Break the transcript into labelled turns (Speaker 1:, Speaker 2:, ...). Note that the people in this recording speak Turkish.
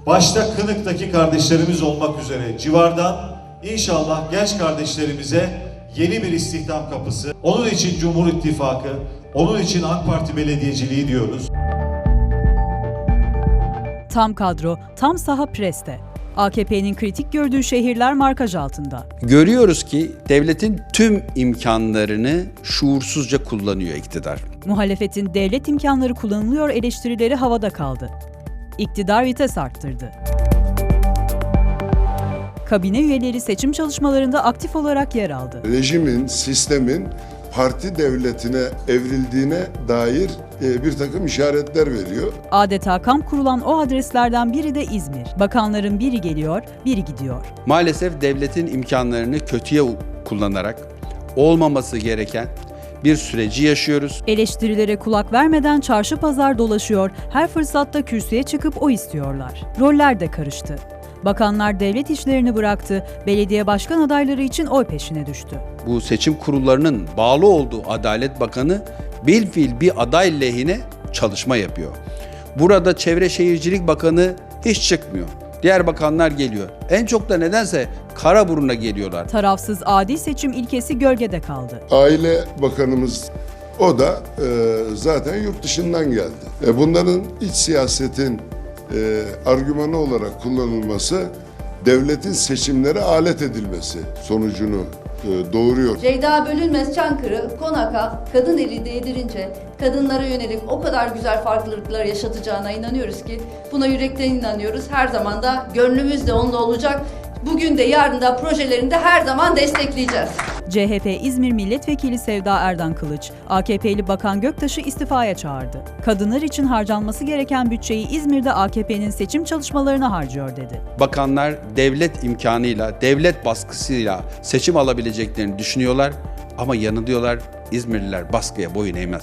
Speaker 1: başta Kınık'taki kardeşlerimiz olmak üzere civardan inşallah genç kardeşlerimize yeni bir istihdam kapısı. Onun için Cumhur İttifakı, onun için AK Parti belediyeciliği diyoruz.
Speaker 2: Tam kadro, tam saha preste. AKP'nin kritik gördüğü şehirler markaj altında.
Speaker 3: Görüyoruz ki devletin tüm imkanlarını şuursuzca kullanıyor iktidar.
Speaker 2: Muhalefetin devlet imkanları kullanılıyor eleştirileri havada kaldı. İktidar vites arttırdı. Kabine üyeleri seçim çalışmalarında aktif olarak yer aldı.
Speaker 4: Rejimin, sistemin parti devletine evrildiğine dair bir takım işaretler veriyor.
Speaker 2: Adeta kamp kurulan o adreslerden biri de İzmir. Bakanların biri geliyor, biri gidiyor.
Speaker 3: Maalesef devletin imkanlarını kötüye kullanarak olmaması gereken bir süreci yaşıyoruz.
Speaker 2: Eleştirilere kulak vermeden çarşı pazar dolaşıyor, her fırsatta kürsüye çıkıp oy istiyorlar. Roller de karıştı. Bakanlar devlet işlerini bıraktı, belediye başkan adayları için oy peşine düştü.
Speaker 3: Bu seçim kurullarının bağlı olduğu Adalet Bakanı bilfiil bir aday lehine çalışma yapıyor. Burada Çevre Şehircilik Bakanı hiç çıkmıyor. Diğer bakanlar geliyor. En çok da nedense Karaburun'a geliyorlar.
Speaker 2: Tarafsız adil seçim ilkesi gölgede kaldı.
Speaker 4: Aile Bakanımız o da zaten yurt dışından geldi. Bunların iç siyasetin argümanı olarak kullanılması devletin seçimlere alet edilmesi sonucunu doğuruyor.
Speaker 5: Ceyda Bölünmez Çankırı, Konak'a kadın eli değdirince kadınlara yönelik o kadar güzel farklılıklar yaşatacağına inanıyoruz ki buna yürekten inanıyoruz. Her zaman da gönlümüz de onunla olacak. Bugün de yarın da projelerini de her zaman destekleyeceğiz.
Speaker 2: CHP İzmir Milletvekili Sevda Erdan Kılıç, AKP'li Bakan Göktaş'ı istifaya çağırdı. Kadınlar için harcanması gereken bütçeyi İzmir'de AKP'nin seçim çalışmalarına harcıyor dedi.
Speaker 3: Bakanlar devlet imkanıyla, devlet baskısıyla seçim alabileceklerini düşünüyorlar ama yanılıyorlar. İzmirliler baskıya boyun eğmez.